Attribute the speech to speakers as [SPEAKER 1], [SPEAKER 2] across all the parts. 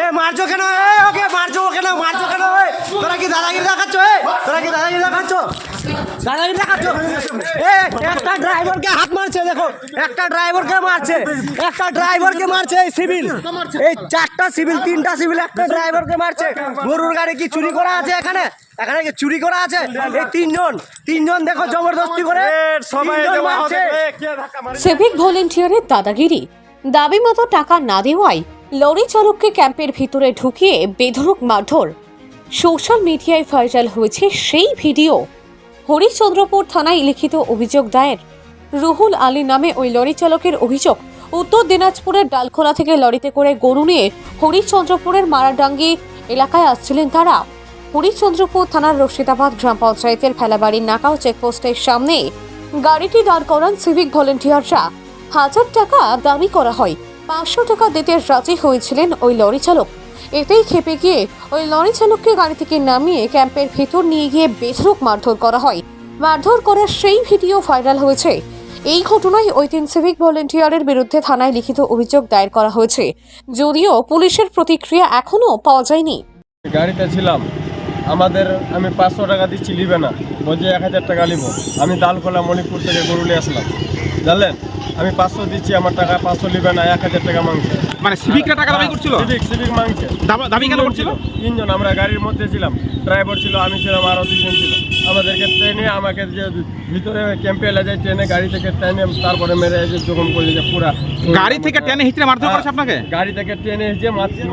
[SPEAKER 1] মারছো কেন? ওকে মারছো কেন? মারছো কেন? তোরা কি দাদাগিরি দেখাচ্ছ? তোরা কি দাদাগিরি দেখাচ্ছ? দাদাগিরি দেখাচ্ছ? একটা ড্রাইভারকে হাত মারছে, দেখো একটা ড্রাইভারকে মারছে, একটা ড্রাইভারকে মারছে। এই সিভিল, এই চারটা সিভিল, তিনটা সিভিল একটা ড্রাইভারকে মারছে। গরুর গাড়ি কি চুরি করা আছে এখানে? এখানে কি চুরি করা আছে? এই তিনজন দেখো জবরদস্তি করে সবাই মারছে।
[SPEAKER 2] সিভিক ভলেন্টিয়ারের দাদাগিরি, দাবি মতো টাকা না দেওয়ায় লরি চালককে ক্যাম্পের ভিতরে ঢুকিয়ে বেধড়ক মারধর। সোশ্যাল মিডিয়ায় ভাইরাল হয়েছে সেই ভিডিও। হরিচন্দ্রপুর থানায় লিখিত অভিযোগ দায়ের। রুহুল আলী নামে ওই লরি চালকের অভিযোগ, উত্তর দিনাজপুরের ডালখোলা থেকে লরিতে করে গরু নিয়ে হরিচন্দ্রপুরের মারাডাঙ্গি এলাকায় আসছিলেন তারা। হরিচন্দ্রপুর থানার রশিদাবাদ গ্রাম পঞ্চায়েতের ফেলাবাড়ির নাকাও চেকপোস্টের সামনে গাড়িটি দাঁড় করান সিভিক ভলেন্টিয়াররা। 1000 টাকা দাবি করা হয়, 500 টাকা দিতে রাজি হয়েছিলেন ওই লরি চালক। এতেই ক্ষেপে গিয়ে ওই লরি চালককে গাড়ি থেকে নামিয়ে ক্যাম্পের ভেতর নিয়ে গিয়ে বেধড়ক মারধর করা হয়। মারধর করার সেই ভিডিও ভাইরাল হয়েছে। এই ঘটনায় ওই 3 সিভিক ভলেন্টিয়ারের বিরুদ্ধে থানায় লিখিত অভিযোগ দায়ের করা হয়েছে, যদিও পুলিশের প্রতিক্রিয়া এখনও পাওয়া যায়নি।
[SPEAKER 3] গাড়িতে ছিলাম, আমি 500 টাকা দিচ্ছি, নিবে না, বলছে 1000 টাকা নিব। আমি দালখোলা মণিপুর থেকে গরু নিয়ে আসলাম, জানলেন, আমি 500 দিচ্ছি, আমার টাকা 500 নিবে না, 1000 টাকা মাংছে।
[SPEAKER 4] মানে সিভিকরা টাকা দাবি করছিল?
[SPEAKER 3] সিভিক মাংছে।
[SPEAKER 4] দাবি কেন করছিল?
[SPEAKER 3] 3 জন, আমরা গাড়ির মধ্যে ছিলাম, ড্রাইভার ছিল, আমি ছিলাম, আরও 2 জন ছিল। আমাদেরকে ট্রেনে, আমাকে যে ভিতরে ক্যাম্পে এলে যায়, ট্রেনে গাড়ি থেকে ট্রেনে তারপরে মেরে যে জখম করে যে পুরা
[SPEAKER 4] গাড়ি থেকে টেনে হিচড়ে মারধর করেছে আপনাকে?
[SPEAKER 3] গাড়ি থেকে ট্রেনে যে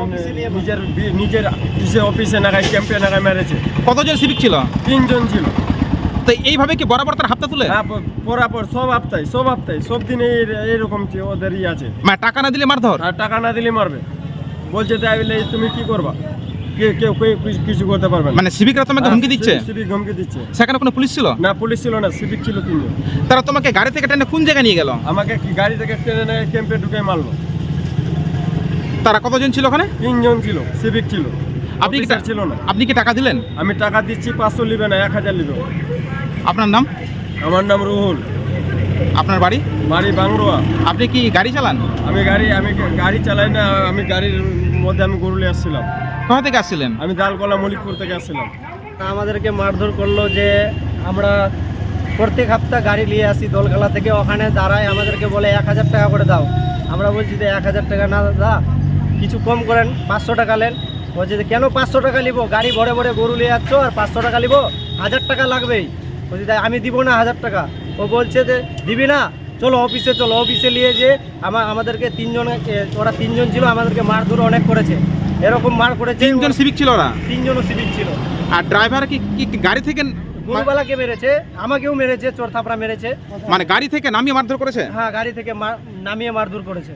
[SPEAKER 3] নিজের অফিসে নাগায় ক্যাম্পে নাগায় মেরেছে।
[SPEAKER 4] কতজন সিভিক ছিল?
[SPEAKER 3] 3 জন ছিল।
[SPEAKER 4] তো এইভাবে কি বরাবর তার হাতটা তুলে?
[SPEAKER 3] হ্যাঁ, পরাপর সব হপ্তায় সব দিনে এরকম ওদের আছে।
[SPEAKER 4] মানে টাকা না দিলে মারধর?
[SPEAKER 3] আর টাকা না দিলে মারবে, বলছে তাইলে তুমি কি করবা, কেউ কিছু করতে পারবে না।
[SPEAKER 4] মানে সিভিকরা তোমাকে হুমকি দিচ্ছে?
[SPEAKER 3] সিভিক হুমকি দিচ্ছে।
[SPEAKER 4] সেখানে কোনো পুলিশ ছিল
[SPEAKER 3] না? পুলিশ ছিল না, সিভিক ছিল 3 জন।
[SPEAKER 4] তারা তোমাকে গাড়ি থেকে টেনে কোন জায়গায় নিয়ে গেল?
[SPEAKER 3] আমাকে গাড়ি থেকে টেনে ক্যাম্পে ঢুকে মারলো।
[SPEAKER 4] তারা কতজন ছিল ওখানে?
[SPEAKER 3] 3 জন ছিল, সিভিক ছিল,
[SPEAKER 4] আপনি কি
[SPEAKER 3] ছিল না।
[SPEAKER 4] আপনি কি টাকা দিলেন?
[SPEAKER 3] আমি টাকা দিচ্ছি, 500 নিবে না, 1000 নিবে।
[SPEAKER 4] আপনার নাম?
[SPEAKER 3] আমার নাম রুহুল।
[SPEAKER 4] আপনার বাড়ি?
[SPEAKER 3] বাড়ি বাংরোয়া।
[SPEAKER 4] আপনি কি গাড়ি চালান?
[SPEAKER 3] আমি গাড়ি চালাই না, আমি গাড়ির মধ্যে আমি গরু নিয়ে আসছিলাম।
[SPEAKER 4] কোথা থেকে আসছিলেন?
[SPEAKER 3] আমি দালকোলা মলিকপুর থেকে আসছিলাম।
[SPEAKER 1] আমাদেরকে মারধর করলো যে আমরা প্রত্যেক সপ্তাহ গাড়ি নিয়ে আসি দোলখালা থেকে, ওখানে দাঁড়ায় আমাদেরকে বলে 1000 টাকা করে দাও। আমরা বলছি যে 1000 টাকা না দাদা, কিছু কম করেন, 500 টাকা নেন। বলছে যে কেন 500 টাকা নিবো, গাড়ি ভরে ভরে গরু নিয়ে যাচ্ছ আর 500 টাকা নিবো, 1000 টাকা লাগবেই। বলছি তাই আমি দিব না 1000 টাকা। ও বলছে যে দিবি না, চলো অফিসে চলো। অফিসে নিয়ে যে আমাদেরকে 3 জন, ওরা 3 জন ছিল, আমাদেরকে মারধর অনেক করেছে, এরকম মার করেছে।
[SPEAKER 4] 3 জন সিভিক ছিল ওরা?
[SPEAKER 1] 3 জনও সিভিক ছিল।
[SPEAKER 4] আর ড্রাইভার কি গাড়ি থেকে?
[SPEAKER 1] গরুবালাকে মেরেছে, আমাকেও মেরেছে, চোর থাপড়া মেরেছে।
[SPEAKER 4] মানে গাড়ি থেকে নামিয়ে মারধর করেছে?
[SPEAKER 1] হ্যাঁ, গাড়ি থেকে নামিয়ে মারধর করেছে।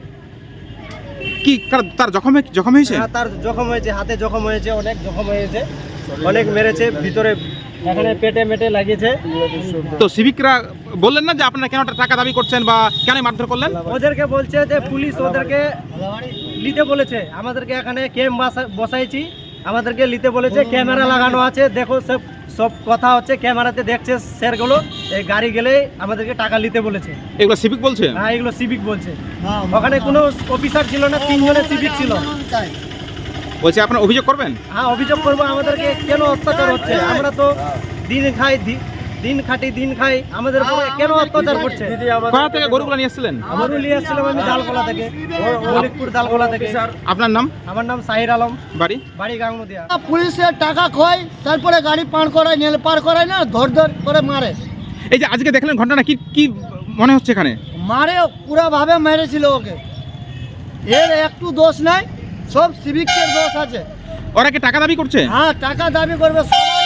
[SPEAKER 4] কি তার জখম হয়েছে?
[SPEAKER 1] হ্যাঁ, তার জখম হয়েছে, হাতে জখম হয়েছে, অনেক জখম হয়েছে, অনেক মেরেছে, ভিতরে এখানে পেটে মেটে লাগিয়েছে।
[SPEAKER 4] তো সিভিকরা বললেন না যে আপনারা কেন টাকা দাবি করছেন বা কেন মারধর করলেন?
[SPEAKER 1] ওদেরকে বলছে যে পুলিশ ওদেরকে নিতে বলেছে, আমাদেরকে এখানে ক্যাম্প বসাইছি, আমাদেরকে নিতে বলেছে, ক্যামেরা লাগানো আছে, দেখো সব কথা হচ্ছে, ক্যামেরাতে দেখছে স্যারগুলো, এই গাড়ি গেলে আমাদেরকে টাকা নিতে বলেছে।
[SPEAKER 4] এগুলো সিভিক বলছে?
[SPEAKER 1] হ্যাঁ, এগুলো সিভিক বলছে। ওখানে কোনো অফিসার ছিল না, 3 জনের সিভিক ছিল।
[SPEAKER 4] বলছে আপনারা অভিযোগ করবেন?
[SPEAKER 1] হ্যাঁ, অভিযোগ করবো, আমাদেরকে কেন অত্যাচার হচ্ছে, আমরা তো দিন খাই, আমাদের উপরে কেন অত্যাচার করছে।
[SPEAKER 4] কোথা থেকে গরুগুলো নিয়ে এসেছিলেন?
[SPEAKER 1] গরু নিয়ে আসছিলাম আমি দালকোলা থেকে, মলিকপুর দালকোলা থেকে।
[SPEAKER 4] আপনার নাম?
[SPEAKER 1] আমার নাম সাহির আলম, বাড়ি গাংনদিয়া।
[SPEAKER 5] পুলিশের টাকা খোয়, তারপরে গাড়ি পার করায় না, ধর করে মারে।
[SPEAKER 4] এই যে আজকে দেখলেন ঘটনা, কি মনে হচ্ছে এখানে?
[SPEAKER 5] মারে পুরাভাবে মেরেছিল ওকে, এর একটু দোষ নাই, সব সিভিকের দোষ আছে।
[SPEAKER 4] ওরা কি টাকা দাবি করছে?
[SPEAKER 5] হ্যাঁ, টাকা দাবি করবে,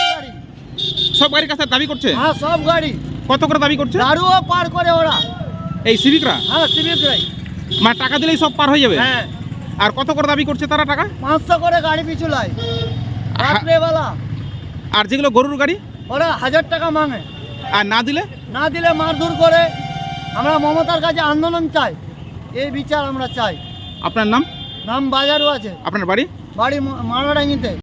[SPEAKER 4] সব গাড়ির কাছে দাবি করছে?
[SPEAKER 5] হ্যাঁ, সব গাড়ি।
[SPEAKER 4] কত করে দাবি করছে?
[SPEAKER 5] দারুও পার করে ওরা,
[SPEAKER 4] এই সিভিকরা?
[SPEAKER 5] হ্যাঁ, সিভিকরাই।
[SPEAKER 4] মানে টাকা দিলেই সব পার হয়ে যাবে?
[SPEAKER 5] হ্যাঁ।
[SPEAKER 4] আর কত করে দাবি করছে তারা টাকা?
[SPEAKER 5] 500 করে গাড়ি পিছু লাই রাত্রেবেলা।
[SPEAKER 4] আর যেগুলো গরুর গাড়ি,
[SPEAKER 5] ওরা 1000 টাকা মাঙে,
[SPEAKER 4] আর না দিলে
[SPEAKER 5] মারধর করে। আমরা মমতার কাছে আন্দোলন চাই, এই বিচার আমরা চাই।
[SPEAKER 4] আপনার নাম?
[SPEAKER 5] বাজারও আছে।
[SPEAKER 4] আপনার বাড়ি?
[SPEAKER 5] মারাডাঙ্গিতে।